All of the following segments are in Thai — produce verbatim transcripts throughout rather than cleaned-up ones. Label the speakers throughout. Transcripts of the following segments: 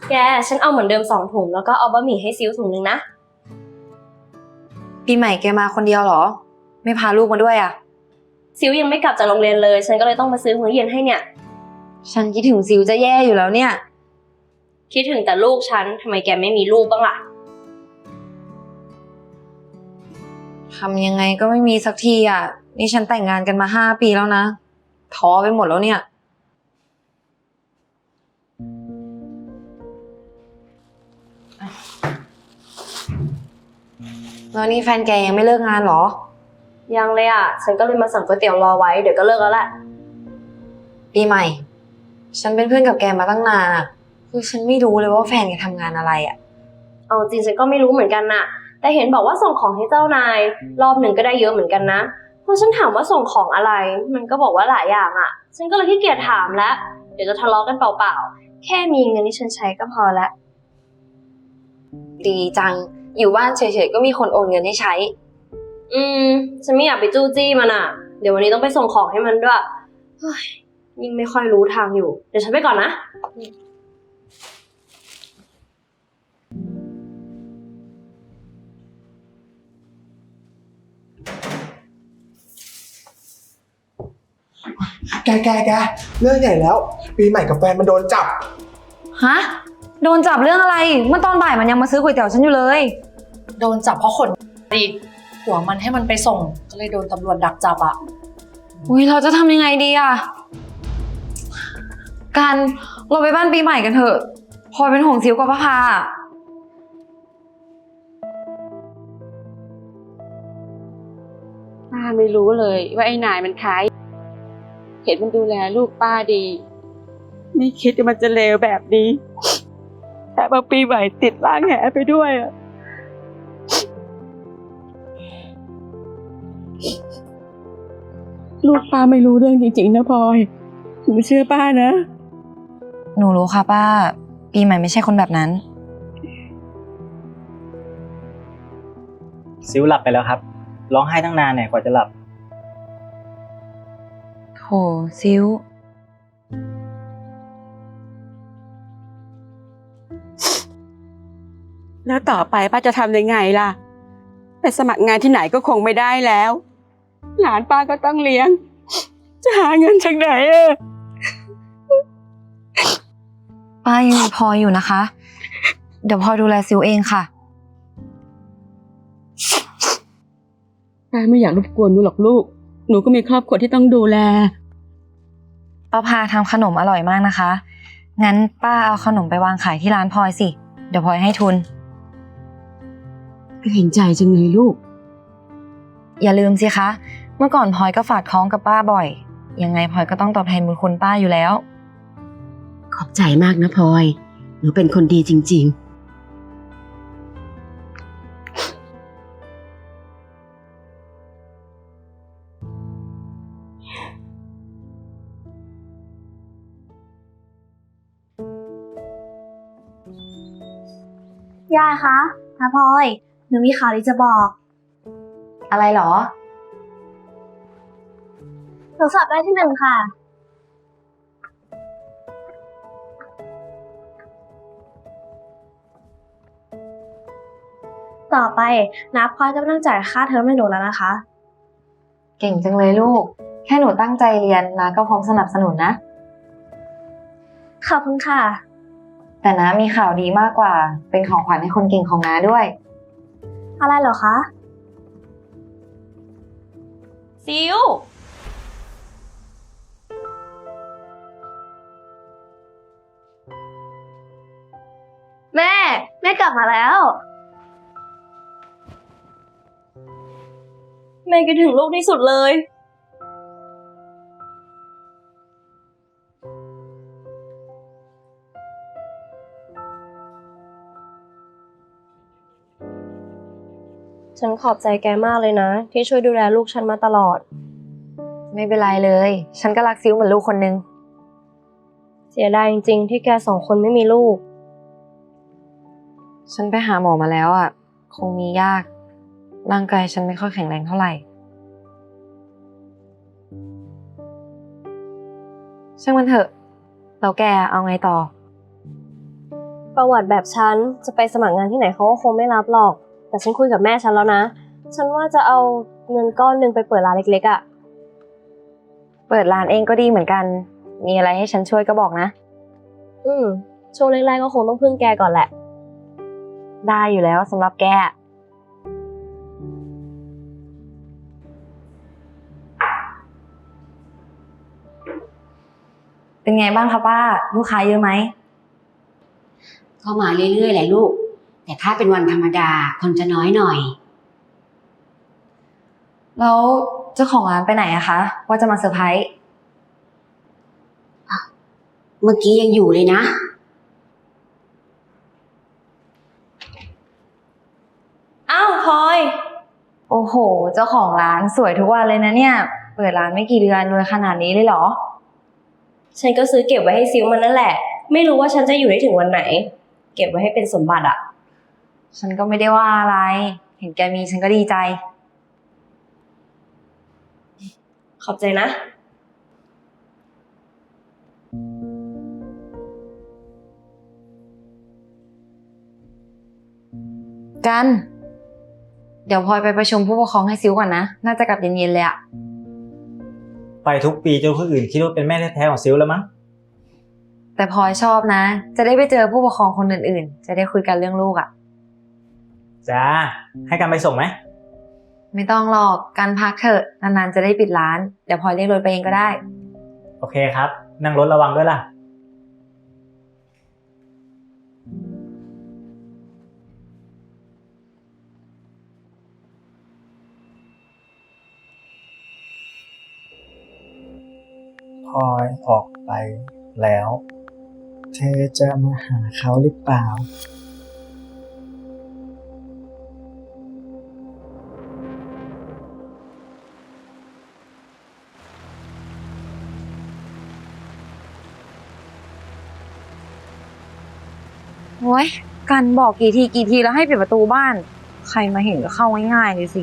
Speaker 1: แกฉันเอาเหมือนเดิมสองถุงแล้วก็เอาบะหมี่ให้ซิวถุงนึงนะ
Speaker 2: ปีใหม่แกมาคนเดียวเหรอไม่พาลูกมาด้วยอ่ะ
Speaker 1: ซิวยังไม่กลับจากโรงเรียนเลยฉันก็เลยต้องมาซื้อมื้อเย็นให้เนี่ย
Speaker 2: ฉันคิดถึงซิวจะแย่อยู่แล้วเนี่ย
Speaker 1: คิดถึงแต่ลูกฉันทำไมแกไม่มีลูกบ้างล่ะ
Speaker 2: ทำยังไงก็ไม่มีสักทีอ่ะนี่ฉันแต่งงานกันมาห้าปีแล้วนะท้อไปหมดแล้วเนี่ยแล้วนี่แฟนแกยังไม่เลิกงานเหรอ
Speaker 1: ยังเลยอ่ะฉันก็เลยมาสั่งก๋วยเตี๋ยวรอไว้เดี๋ยวก็เลิกแล้วแหละ
Speaker 2: ปีใหม่ฉันเป็นเพื่อนกับแกมาตั้งนานอ่ะคือฉันไม่รู้เลยว่าแฟนแกทำงานอะไรอ่ะ
Speaker 1: เอาจริงฉันก็ไม่รู้เหมือนกันน่ะแต่เห็นบอกว่าส่งของให้เจ้านายรอบหนึ่งก็ได้เยอะเหมือนกันนะพอฉันถามว่าส่งของอะไรมันก็บอกว่าหลายอย่างอ่ะฉันก็เลยขี้เกียจถามแล้วเดี๋ยวจะทะเลาะกันเปล่าๆแค่มีเงินที่ฉันใช้ก็พอละ
Speaker 2: ดีจังอยู่บ้านเฉยๆก็มีคนโอนเงินให้ใช้
Speaker 1: อืมฉันไม่อยากไปจู้จี้มันอ่ะเดี๋ยววันนี้ต้องไปส่งของให้มันด้วยเฮ้ยยิ่งไม่ค่อยรู้ทางอยู่เดี๋ยวฉันไปก่อนนะ
Speaker 3: แกแกแกเรื่องใหญ่แล้วปีใหม่กับแฟนมันโดนจับ
Speaker 2: ฮะโดนจับเรื่องอะไรเมื่อตอนบ่ายมันยังมาซื้อก๋วยเตี๋ยวฉันอยู่เลย
Speaker 4: โดนจับเพราะขนดิหัวมันให้มันไปส่งก็เลยโดนตำรวจดักจับอ่ะ
Speaker 2: อุ้ยเราจะทำยังไงดีอ่ะกันเราไปบ้านปีใหม่กันเถอะพลอยเป็นห่วงซิวกับพระพา
Speaker 5: ป้าไม่รู้เลยว่าไอ้นายมันใครเห็นมันดูแลลูกป้าดีไม่คิดว่ามันจะเลวแบบนี้แต่บางปีใหม่ติดล้างแหไปด้วยอะลูกป้าไม่รู้เรื่องจริงๆนะพลอยหนูเชื่อป้านะ
Speaker 2: หนูรู้ค่ะป้าปีใหม่ไม่ใช่คนแบบนั้น
Speaker 6: ซิวหลับไปแล้วครับร้องไห้ตั้งนานเนี่ยกว่าจะหลับ
Speaker 2: โถซิว
Speaker 5: แล้วต่อไปป้าจะทำยังไงล่ะไปสมัครงานที่ไหนก็คงไม่ได้แล้วหลานป้าก็ต้องเลี้ยงจะหาเงินจากไหนอะ
Speaker 2: ป้ายังมีพลอยอยู่นะคะเดี๋ยวพลอยดูแลซิวเองค่ะ
Speaker 5: ป้าไม่อยากรบกวนหนูหรอกลูกหนูก็มีครอบครัวที่ต้องดูแล
Speaker 2: ป้าพาทำขนมอร่อยมากนะคะงั้นป้าเอาขนมไปวางขายที่ร้านพลอยสิเดี๋ยวพลอยให้ทุน
Speaker 5: เห็นใจจังเลยลูก
Speaker 2: อย่าลืมสิคะเมื่อก่อนพลอยก็ฝากท้องกับป้าบ่อยยังไงพลอยก็ต้องตอบแทนบุญคุณป้าอยู่แล้ว
Speaker 5: ขอบใจมากนะพลอยหนูเป็นคนดีจริง
Speaker 1: ยายคะนะพลอยหนูมีข่าวดีจะบอก
Speaker 2: อะไรหรอ
Speaker 1: หนูสอบได้ที่หนึ่งค่ะต่อไปน้าพลอยก็ไม่ต้องจ่ายค่าเทอมให้หนูแล้วนะคะ
Speaker 2: เก่งจังเลยลูกแค่หนูตั้งใจเรียนน้าก็พร้อมสนับสนุนนะ
Speaker 1: ขอบคุณค่ะ
Speaker 2: แต่น้ามีข่าวดีมากกว่าเป็นของขวัญให้คนเก่งของน้าด้วย
Speaker 1: อะไรเหรอคะซิวแม่แม่กลับมาแล้วแม่คิดถึงลูกที่สุดเลยฉันขอบใจแกมากเลยนะที่ช่วยดูแลลูกฉันมาตลอด
Speaker 2: ไม่เป็นไรเลยฉันก็รักซิวเหมือนลูกคนนึง
Speaker 1: เสียดายจริงๆที่แกสองคนไม่มีลูก
Speaker 2: ฉันไปหาหมอมาแล้วอ่ะคงมียากร่างกายฉันไม่ค่อยแข็งแรงเท่าไหร่ช่างมันเถอะแล้วแกเอาไงต่อ
Speaker 1: ประวัติแบบฉันจะไปสมัครงานที่ไหนเขาก็คงไม่รับหรอก แต่ฉันคุยกับแม่ฉันแล้วนะ ฉันว่าจะเอาเงินก้อนหนึ่งไปเปิดร้านเล็กๆอะ่ะ
Speaker 2: เปิดร้านเองก็ดีเหมือนกัน มีอะไรให้ฉันช่วยก็บอกนะ
Speaker 1: อืมช่วงแรกๆก็คงต้องพึ่งแกก่อนแหละ
Speaker 2: ได้อยู่แล้วสำหรับแก เป็นไงบ้างคะป้า ลูกค้าเยอะไหม
Speaker 7: ก็มาเรื่อยๆแหละลูก แต่ถ้าเป็นวันธรรมดาคนจะน้อยหน่อย
Speaker 2: แล้วเจ้าของร้านไปไหนอะคะ ว่าจะมาเซอร์ไพรส์
Speaker 7: เมื่อกี้ยังอยู่เลยนะ
Speaker 1: อ้าวพลอย
Speaker 2: โอ้โห เจ้าของร้านสวยทุกวันเลยนะเนี่ย เปิดร้านไม่กี่เดือนรวยขนาดนี้เลยเหรอ
Speaker 1: ฉันก็ซื้อเก็บไว้ให้ซิลมันนั่นแหละ ไม่รู้ว่าฉันจะอยู่ได้ถึงวันไหน เก็บไว้ให้เป็นสมบัติอะ
Speaker 2: ฉันก็ไม่ได้ว่าอะไร เห็นแกมีฉันก็ดีใจ
Speaker 1: ขอบใจนะ
Speaker 2: กัน เดี๋ยวพลอยไปประชุมผู้ปกครองให้ซิวก่อนนะ น่าจะกลับเย็นๆเลยอะ
Speaker 6: ไปทุกปีจนคนอื่นคิดว่าเป็นแม่แท้ๆของซิลแล้วมั้ง
Speaker 2: แต่พลอยชอบนะ จะได้ไปเจอผู้ปกครองคนอื่นๆ จะได้คุยกันเรื่องลูกอะ
Speaker 6: จ้า ให้กันไปส่งไหม
Speaker 2: ไม่ต้องหรอกกันพักเถอะ นานๆจะได้ปิดร้าน เดี๋ยวพลอยเรียกรถไปเองก็ได้
Speaker 6: โอเคครับ นั่งรถระวังด้วยล่ะ
Speaker 3: พลอยออกไปแล้ว เธอจะมาหาเขาหรือเปล่า
Speaker 2: โอ้ยกันบอกกี่ทีกี่ทีแล้วให้ปิดประตูบ้าน ใครมาเห็นก็เข้าง่ายๆเลยสิ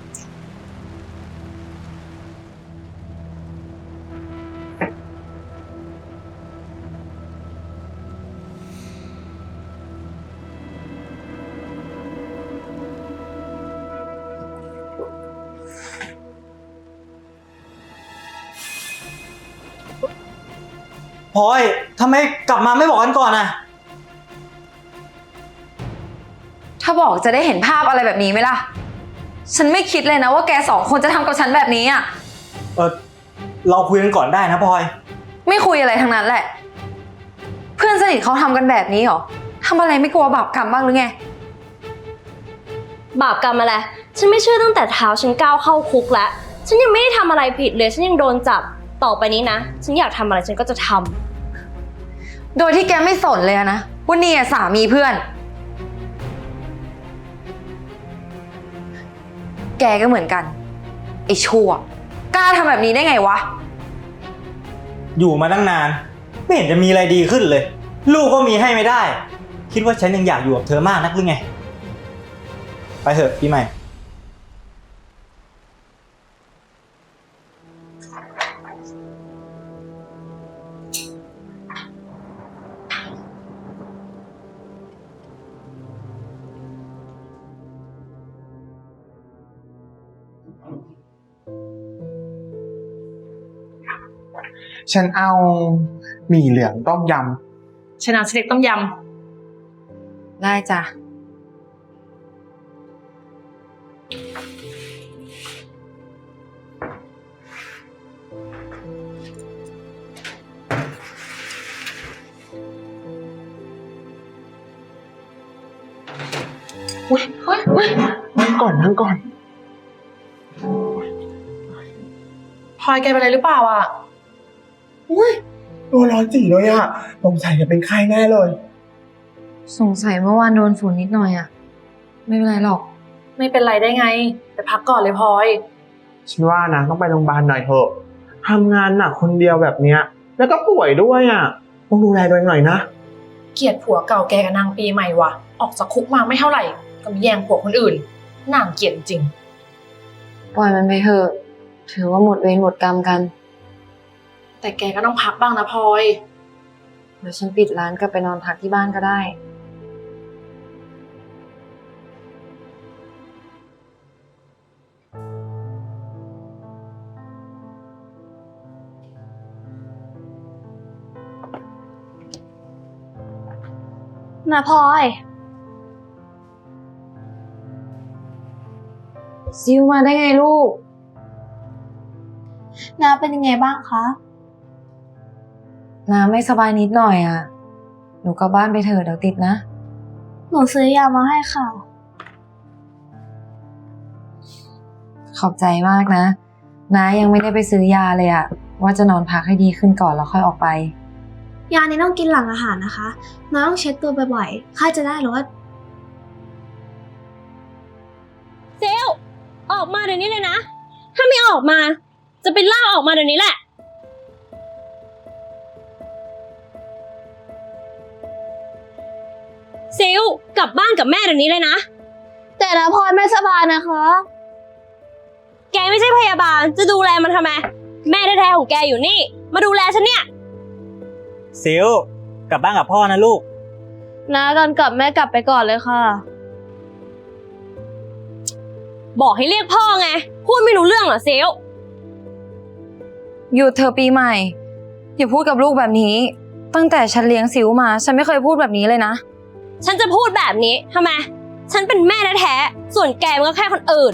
Speaker 6: พลอยทำไมกลับมาไม่บอกกันก่อนอ่ะ
Speaker 2: ถ้าบอกจะได้เห็นภาพอะไรแบบนี้ไหมล่ะ ฉันไม่คิดเลยนะว่าแกสองคนจะทำกับฉันแบบนี้อ่ะ
Speaker 6: เออเราคุยกันก่อนได้นะพลอย
Speaker 2: ไม่คุยอะไรทั้งนั้นแหละ เพื่อนสนิทเขาทำกันแบบนี้เหรอทำอะไรไม่กลัวบาปกรรมบ้างหรือไง
Speaker 1: บาปกรรมอะไร ฉันไม่เชื่อตั้งแต่เท้าฉันก้าวเข้าคุกแล้ว ฉันยังไม่ได้ทำอะไรผิดเลย ฉันยังโดนจับ ต่อไปนี้นะ ฉันอยากทำอะไรฉันก็จะทำ
Speaker 2: โดยที่แกไม่สนเลยอะนะว่านี่อะสามีเพื่อน แกก็เหมือนกัน ไอ้ชั่ว กล้าทำแบบนี้ได้ไงวะ
Speaker 6: อยู่มาตั้งนาน ไม่เห็นจะมีอะไรดีขึ้นเลย ลูกก็มีให้ไม่ได้ คิดว่าฉันยังอยากอยู่กับเธอมากนักหรือไง ไปเถอะปีใหม่
Speaker 3: ฉันเอาหมี่เหลืองต้มย
Speaker 4: ชนะสเต็กต้มย
Speaker 2: ได้จ้ะ
Speaker 3: ำอุ้ยเฮ้ยเฮ้ยนั่งก่อนนั่งก่อน
Speaker 4: ำพลอยแกเป็นอะไรหรือเปล่าอ่ะ
Speaker 3: อุ้ยตัวร้อนจีเลยอะสงสัยจะเป็นไข้แน่เลย
Speaker 2: สงสัยเมื่อวานโดนฝุ่นนิดหน่อยอะไม่เป็นไรหรอก
Speaker 4: ไม่เป็นไรได้ไง แต่พักก่อนเลยพลอย
Speaker 3: ฉันว่านะต้องไปโรงพยาบาลหน่อยเถอะทำงานหนักคนเดียวแบบเนี้ย แล้วก็ป่วยด้วยอะต้องดูแลตัวเองหน่อยนะ
Speaker 4: เกลียดผัวเก่าแกกับนางปีใหม่ว่ะ ออกจากคุกมาไม่เท่าไหร่ ก็มีแย่งผัวคนอื่นนางเกลียดจริง
Speaker 2: ปล่อยมันไปเถอะ ถือว่าหมดเวรหมดกรรมกัน
Speaker 4: แต่แกก็ต้องพักบ้างนะพลอย
Speaker 2: เดี๋ยวฉันปิดร้านกลับไปนอนพักที่บ้านก็ได้
Speaker 1: นาพลอย
Speaker 2: ซิวมาได้ไงลูก
Speaker 1: นาเป็นยังไงบ้างคะ
Speaker 2: น้าไม่สบายนิดหน่อยอ่ะ หนูกลับบ้านไปเถอะเดี๋ยวติดนะ
Speaker 1: หนูซื้อยามาให้ค่ะ
Speaker 2: ขอบใจมากนะ น้ายังไม่ได้ไปซื้อยาเลยอ่ะ ว่าจะนอนพักให้ดีขึ้นก่อนแล้วค่อยออกไป
Speaker 1: ยานี้ต้องกินหลังอาหารนะคะนาต้องเช็ดตัวบ่อยๆค่าจะได้ลดเซลออกมาเดี๋ยวนี้เลยนะ ถ้าไม่ออกมา จะเป็นล่าออกมาเดี๋ยวนี้แหละเซลกลับบ้านกับแม่เดี๋ยวนี้เลยนะ แต่นะพลอยไม่สบายนะคะ แกไม่ใช่พยาบาลจะดูแลมันทำไม แม่แท้ๆของแกอยู่นี่ มาดูแลฉันเนี่ย
Speaker 6: ซิลกลับบ้านกับพ่อนะลูก
Speaker 1: นะตอนกลับแม่กลับไปก่อนเลยค่ะ บอกให้เรียกพ่อไง พูดไม่รู้เรื่องเหรอเซล
Speaker 2: หยุดเธอปีใหม่ อย่าพูดกับลูกแบบนี้ ตั้งแต่ฉันเลี้ยงซิวมา ฉันไม่เคยพูดแบบนี้เลยนะ
Speaker 1: ฉันจะพูดแบบนี้ทำไม ฉันเป็นแม่แท้ๆส่วนแกมันก็แค่คนอื่น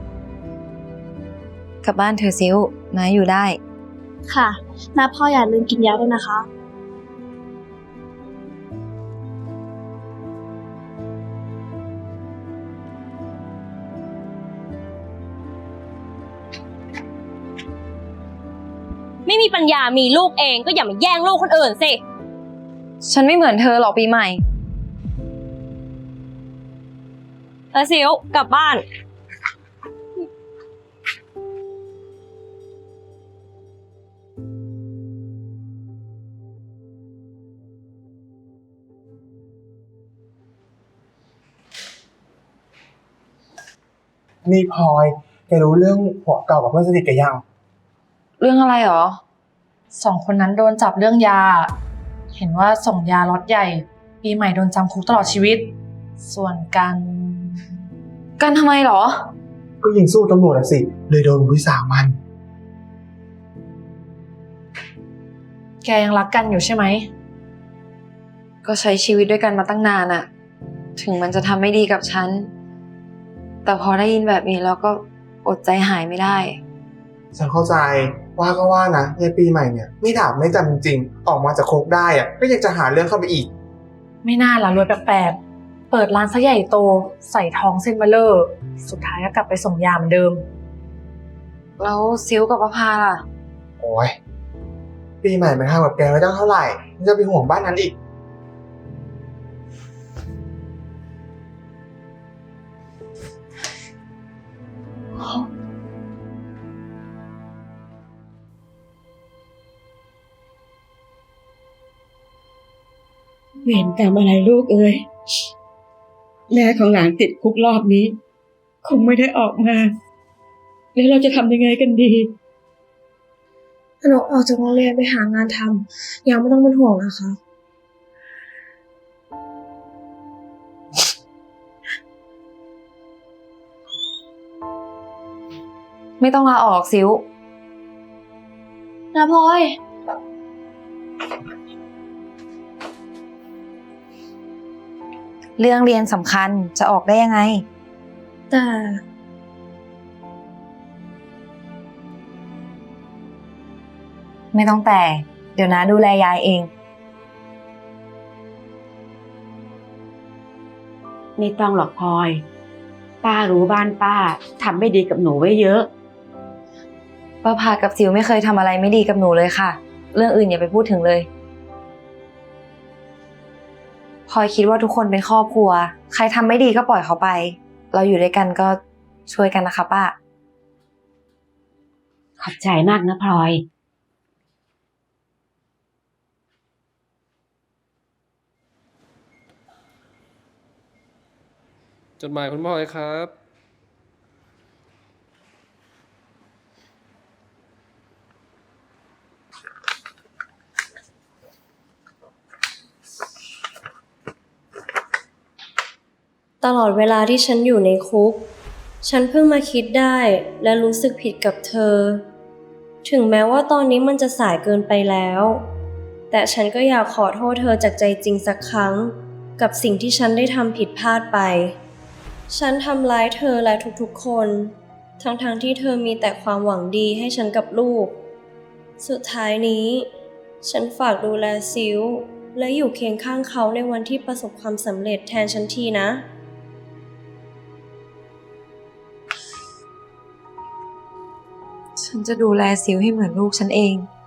Speaker 2: กลับบ้านเธอซิวน้าอยู่ได้
Speaker 1: ค่ะนะพ่ออย่าลืมกินยาด้วยนะคะ ไม่มีปัญญามีลูกเองก็อย่ามาแย่งลูกคนอื่นสิ
Speaker 2: ฉันไม่เหมือนเธอหรอกปีใหม่
Speaker 1: เออซิวกลับบ้าน
Speaker 3: นี่พลอยแกรู้เรื่องผัวเก่ากับเพื่อนสนิทแกยัง
Speaker 2: เรื่องอะไรหรอ
Speaker 4: สองคนนั้นโดนจับเรื่องยา เห็นว่าส่งยาล็อตใหญ่ ปีใหม่โดนจำคุกตลอดชีวิต ส่วนกัน
Speaker 2: กันทำไมหรอ
Speaker 3: ก็ยิงสู้ตำรวจอะสิ เลยโดนวิสามัน
Speaker 4: แกยังรักกันอยู่ใช่ไหม
Speaker 2: ก็ใช้ชีวิตด้วยกันมาตั้งนานอะถึงมันจะทำไม่ดีกับฉัน แต่พอได้ยินแบบนี้แล้วก็อดใจหายไม่ได้
Speaker 3: ฉันเข้าใจว่าก็ว่านะยายปีใหม่เนี่ยไม่ดาบไม่จำจริงๆออกมาจากคุกได้อะก็ยังจะหาเรื่องเข้าไปอีก
Speaker 4: ไม่น่าละรวยแปลกๆ เปิดร้านซะใหญ่โต ใส่ทองเส้นเบลเลอร์ สุดท้ายก็กลับไปส่งยาเหมือนเดิม
Speaker 2: แล้วซิวกับประภาล่ะ
Speaker 3: โอ้ยปีใหม่มันทำกับแกไว้ตั้งเท่าไหร่มันจะไปห่วงบ้านนั้นอีก
Speaker 5: เวรกรรมอะไรลูกเอ้ยแม่ของหลานติดคุกรอบนี้ คงไม่ได้ออกมา แล้วเราจะทำยังไงกันดี
Speaker 1: หนูออกจากโรงเรียนไปหางานทำยังไม่ต้องเป็นห่วงนะคะ
Speaker 2: ไม่ต้องลาออกซิว
Speaker 1: นะพลอย
Speaker 2: เรื่องเรียนสำคัญจะออกได้ยังไง
Speaker 1: แต่
Speaker 2: ไม่ต้องแต่ เดี๋ยวน้าดูแลยายเอง
Speaker 7: ไม่ต้องหรอกพลอย ป้ารู้บ้านป้าทำไม่ดีกับหนูไว้เยอะ
Speaker 2: ป้าพากับซิวไม่เคยทำอะไรไม่ดีกับหนูเลยค่ะ เรื่องอื่นอย่าไปพูดถึงเลยพลอยคิดว่าทุกคนเป็นครอบครัว ใครทำไม่ดีก็ปล่อยเขาไป เราอยู่ด้วยกันก็ช่วยกันนะคะป้า
Speaker 7: ขอบใจมากนะพลอย
Speaker 8: จดหมายคุณพ่อเลยครับ
Speaker 1: ตลอดเวลาที่ฉันอยู่ในคุก ฉันเพิ่งมาคิดได้และรู้สึกผิดกับเธอ ถึงแม้ว่าตอนนี้มันจะสายเกินไปแล้ว แต่ฉันก็อยากขอโทษเธอจากใจจริงสักครั้งกับสิ่งที่ฉันได้ทำผิดพลาดไป ฉันทำร้ายเธอและทุกๆคน ทั้งๆที่เธอมีแต่ความหวังดีให้ฉันกับลูก สุดท้ายนี้ ฉันฝากดูแลซิลและอยู่เคียงข้างเขาในวันที่ประสบความสำเร็จแทนฉันทีนะ
Speaker 2: ฉันจะดูแลซิวให้เหมือนลูกฉันเอง